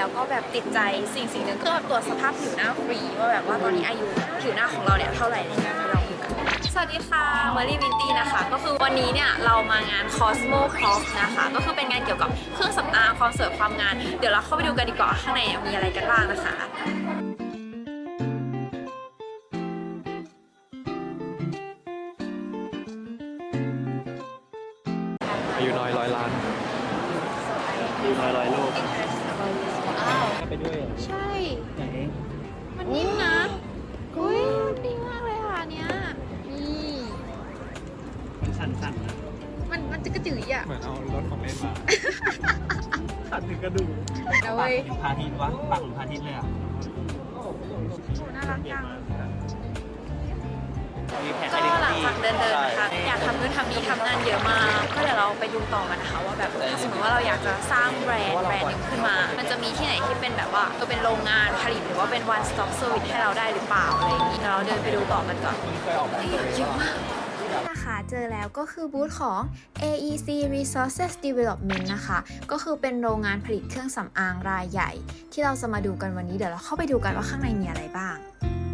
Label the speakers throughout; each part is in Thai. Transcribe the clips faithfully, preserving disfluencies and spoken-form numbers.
Speaker 1: แล้วก็แบบติดใจสิ่งสิ่งหนึ่งคือแบบตรวจสภาพผิวหน้าฟรีว่าแบบว่าตอนนี้อายุผิวหน้าของเราเนี่ยเท่าไหร่ในงานไปลองดูกันสวัสดีค่ะเมอรี่วินตี้นะคะก็คือวันนี้เนี่ยเรามางาน Cosmo Pop นะคะก็คือเป็นงานเกี่ยวกับเครื่องสำอางความสวยความงามเดี๋ยวเราเข้าไปดูกันดีกว่าข้างในมีอะไรกันบ้างนะคะ
Speaker 2: อายุน้อยร้อยล้านอายุน้อยร้อยโลกไปด้วย
Speaker 1: ใช่
Speaker 2: ไหน
Speaker 1: มันนิ่มนะอุ้ยดีมากเลยค่ะเนี้ยนี่
Speaker 2: มันสั่นๆนะ
Speaker 1: มันมันจะกระจือยอ่ะ
Speaker 2: เหมือนเอารถของเล่นมาสั่นถึงกระดูก
Speaker 1: เอา
Speaker 2: ปาก
Speaker 1: เว้ย
Speaker 2: หรือพาทิตย์วะปากหรือพาทิตย์เลยอ่ะ
Speaker 1: โหน่ารักจัง
Speaker 2: มีแผน
Speaker 1: ก็หลังจากเดินเดินนะคะอยากทำนู่นทำนี่ทำงานเยอะมาก ก็เดี๋ยวเราไปดูต่อกันนะคะว่าแบบถ้าสมมติว่าเราอยากจะสร้างแบรนด์แบรนด์หนึ่งขึ้นมา มันจะมีที่ไหนที่เป็นแบบว่าตัวเป็นโรงงานผลิตหรือว่าเป็น one stop service ให้เราได้หรือเปล่าอะไรอย่างนี้เดี๋ยวเราเดินไปดูต่อกันก่อนเยอะมากนะคะเจอแล้วก็คือบูธของ เอ อี ซี Resources Development นะคะก็คือเป็นโรงงานผลิตเครื่องสำอางรายใหญ่ ที่เราจะมาดูกันวันนี้เดี๋ยวเราเข้าไปดูกันว่าข้างในมีอะไรบ้าง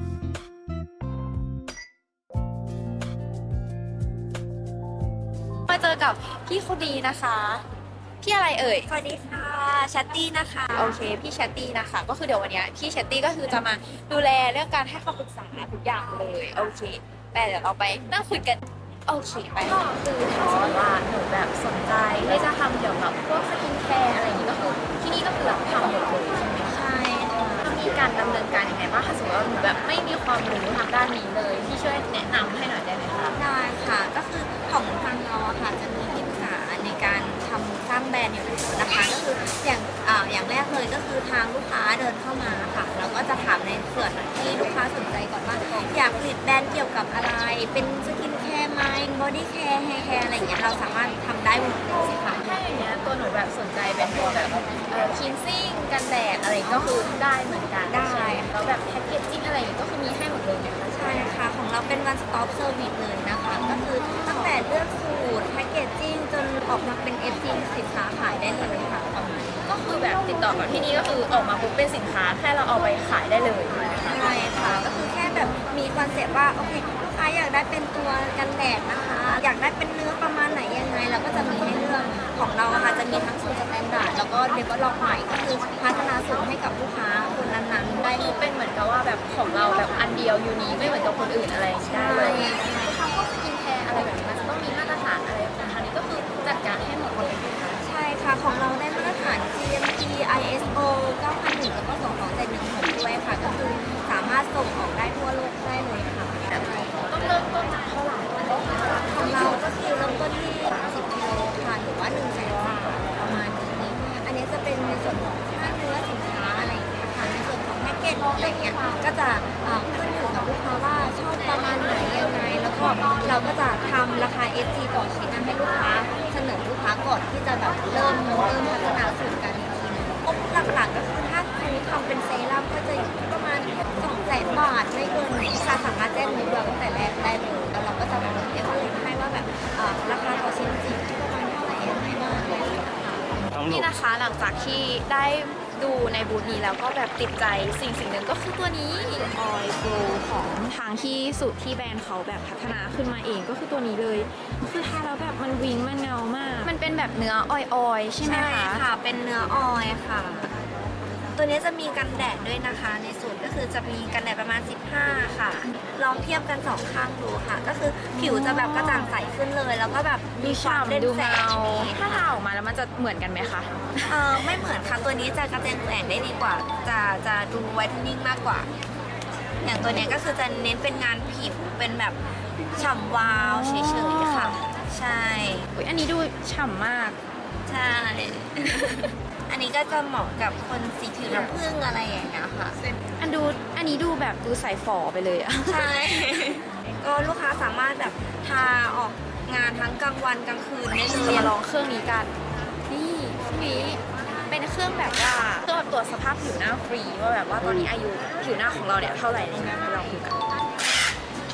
Speaker 1: มาเจอกับพี่คนดีนะคะพี่อะไรเอ่ยสวัสดีค่ะแชตตี้นะคะโอเคพี่แชตตี้นะคะก็คือเดี๋ยววันนี้พี่แชตตี้ก็คือจะมาดูแลเรื่องการให้คำปรึกษาทุกอย่างเลยโอเคแต่เดี๋ยวเราไปนั่งคุยกันโอเคไปก็คือถ้าสมมติว่าหนูแบบสนใจที่จะทำเกี่ยวกับพวกสกินแคร์อะไรอย่างนี้ก็คือที่นี่ก็คือรับทำหมดเลยใช่ไหมใช่ค่ะมีการดำเนินการยังไงบ้างถ้าสมมติว่าหนูแบบไม่มีความรู้ทางด้านนี้เลยพี่ช่วยแนะนำให้หน่อยได้ไหมคะ
Speaker 3: ได้ค่ะก็คือของทางเราอะค่ะจะมีที่ปรึกษาในการทำสร้างแบรนด์อยู่แล้วนะคะก็คืออย่างอ่าอย่างแรกเลยก็คือทางลูกค้าเดินเข้ามาค่ะเราก็จะถามในส่วนที่ลูกค้าสนใจก่อนว่าอยากผลิตแบรนด์เกี่ยวกับอะไร เป็นสกินแคร์ไหมบอดี้แคร์แฮร์แคร์อะไรอย่างเงี้ยเราสามารถทำได้หมดเลยค่ะ
Speaker 1: ถ้าอย่างเงี้ยตัวหนูแบบสนใจเป็นตัวแบบเอ่อคินซิ่งกันแดดอะไรก็คือได้เหมือนกัน
Speaker 3: ได้
Speaker 1: ใช่แล้วแบบแพ็กเกจจิ้งอะไรอย่างงี้ก็คือมีให้หมดเลยนะคะ
Speaker 3: ใช่ค่ะของเราเป็น one stop service เลยนะคะก็คือตั้งแต่เลือกสูตรแพคเกจจิ้งจนออกมาเป็น เอฟ ซี สินค้าขายได้เลยค่ะประมาณนี้
Speaker 1: ก็คือแบบติดต่อกับที่นี่ก็คือออกมาปุ๊บเป็นสินค้าแค่เราเอาไปขายได้เลย
Speaker 3: ใช่ค่ะก็คือแค่แบบมีคอนเซ็ปต์ว่าโอเคลูกค้าอยากได้เป็นตัวกันแดดนะคะ อยากได้เป็นเนื้อประมาณไหนยังไงเราก็จะมีให้เลือกของเราอะค่ะจะมีทั้งสูตรสแตนดาร์ดแล้วก็เดเวลลอปใหม่ก็คือพัฒนาสูตรให้กับลูกค้าคนนั้นๆได้
Speaker 1: คือเป็นเหมือนกับว่าแบบของเราแบบอันเดียวยูนีไม่เหมือนกับคนอื่นอะไรอย่างเงี้ยเลยทำพวกสกินแคร์อะไรแบบนี้มันจะต้องมีมาตรฐานอะไรของทางนี้ก็คือจัดการให้หมดเลยนะคะ
Speaker 3: ใช่ค่ะของเราได้มาตรฐาน จี เอ็ม ที ไอ เอส โอ เก้าพันหนึ่งแล้วก็ส่งของเจ็ดหนึ่งหกด้วยค่ะก็คือสามารถส่งออกได้ทั่วโลกได้เลยค่ะ
Speaker 1: ต้องเริ่มต้นจากเท่าไหร่
Speaker 3: ของเราก็คือเริ่มต้นที่สามสิบกิโลค่ะหรือว่าหนึ่งแสนบาทประมาณนี้ อันนี้จะเป็นในส่วนของค่าเนื้อสินค้าอะไรอย่างเงี้ยค่ะในส่วนของแพ็กเกจอะไรเงี้ยก็จะเอ่อขึ้นอยู่กับลูกค้าว่าชอบประมาณไหนยังไง แล้วก็เราก็จะทำราคา เอส จี ต่อชิ้นนะให้ลูกค้าเสนอลูกค้าก่อนที่จะแบบเริ่มเริ่มพัฒนาสูตรกันอีกทีนึงงบหลักๆก็คือถ้าคุณทำเป็นเซรั่มก็จะอยู่ที่ประมาณสองแสนบาทไม่เกินนี้ค่ะสามารถแจ้งงบเราตั้งแต่แรกได้เลยแล้วเราก็จะแบบเอเวอเรสให้ว่าแบบเอ่อราคาต่อชิ้นจริงที่ประมาณเท่าไหร่ยังไงบ้างอะไรอย่างเงี้ยค่ะ
Speaker 1: นี่นะคะหลังจากที่ได้ดูในบูธนี้แล้วก็แบบติดใจสิ่งสิ่งหนึ่งก็คือตัวนี้ Oil Glow ของทางที่สูตรที่แบรนด์เขาแบบพัฒนาขึ้นมาเองก็คือตัวนี้เลยคือทาแล้วแบบมันวิงมันเงามาก มันเป็นแบบเนื้อออยๆใช่ไหม
Speaker 3: ใช่
Speaker 1: คะ
Speaker 3: ค่ะ เป็นเนื้อออยล์ค่ะ ตัวนี้จะมีกันแดดด้วยนะคะ ในสูตรก็คือจะมีกันแดดประมาณสิบห้าค่ะ ลองเทียบกันสองข้างดูค่ะ ก็คือผิวจะแบบกระจ่างใสขึ้นเลย แล้วก็แบบ
Speaker 1: ดู
Speaker 3: มีความเด่น
Speaker 1: ฉ่ำดู
Speaker 3: แส
Speaker 1: เงาง
Speaker 3: อย่างนี้
Speaker 1: ถ้า
Speaker 3: ค่ะ
Speaker 1: ทาออกมาแล้วมันจะเหมือนกันไหมคะ
Speaker 3: เออไม่เหมือนค่ะ ตัวนี้จะกระจ่างแสงได้ดีกว่า จะจะดูไวท์เทนนิ่งมากกว่า อย่างตัวเนี้ยก็คือจะเน้นเป็นงานผิว เป็นแบบฉ่ำวาวเฉยๆค่ะ ใช่
Speaker 1: อุ๊ยอันนี้ดูฉ่ำมาก
Speaker 3: ใช่ อันนี้ก็จะเหมาะกับคนสีผิวน้ำผึ้งอะไรอย่างเงี้ยค่ะ
Speaker 1: อันดูอันนี้ดูแบบดูใส่ฝอไปเลยอะ
Speaker 3: ใช่ ก็ลูกค้าสามารถแบบทาออกงานทั้งกลางวันกลางคืนได้เล
Speaker 1: จะ
Speaker 3: ย
Speaker 1: มาลองเครื่องนี้กัน นี่เครื่องนี้เป็นเครื่องแบบว่าเครื่องแบบตรวจสภาพผิวหน้าฟรีว่าแบบว่าตอนนี้อายุผิวหน้าของเราเนี่ยเท่าไหร่ในงานไปลองดูกัน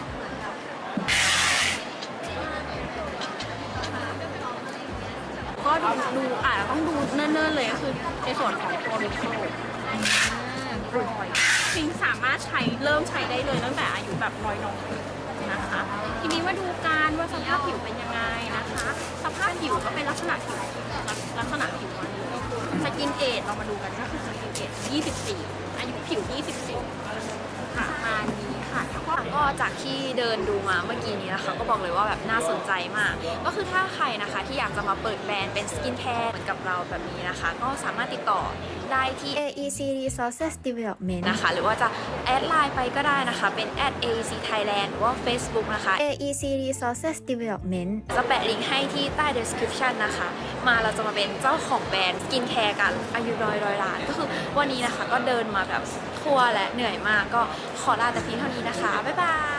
Speaker 1: ก็
Speaker 4: ดูดูอาจจะต้องดูเนิ่นๆเลยก็คือในส่วนของตัวลูกโซ่รอยฟิงสามารถใช้เริ่มใช้ได้เลยตั้งแต่อายุแบบน้อยน้องนะคะ ทีนี้มาดูการว่าสภาพผิวเป็นยังไงนะคะ สภาพผิวก็เป็นลักษณะผิวลักษณะผิวมันก็คือสกินเอจเรามาดูกันก็คือสกินเอจยี่สิบสี่อายุผิวยี่สิบสี่ค่ะประมาณนี้ค่ะถ้าว่า
Speaker 1: ก็จากที่เดินดูมาเมื่อกี้นี้นะคะก็บอกเลยว่าแบบน่าสนใจมาก ก็คือถ้าใครนะคะที่อยากจะมาเปิดแบรนด์เป็นสกินแคร์เหมือนกับเราแบบนี้นะคะ ก็สามารถติดต่อได้ที่
Speaker 5: เอ อี ซี Resources Development
Speaker 1: นะคะ หรือว่าจะแอดไลน์ไปก็ได้นะคะ เป็น แอท เอ อี ซี Thailand หรือว่า Facebook นะคะ
Speaker 5: เอ อี ซี Resources Development
Speaker 1: จะแปะลิงก์ให้ที่ใต้ description นะคะ มาเราจะมาเป็นเจ้าของแบรนด์สกินแคร์กันอายุร้อยร้อยล้าน ก็คือวันนี้นะคะก็เดินมาแบบทั่วและเหนื่อยมาก ก็ขอลาแต่เพียงเท่านี้นะคะ บ๊ายบาย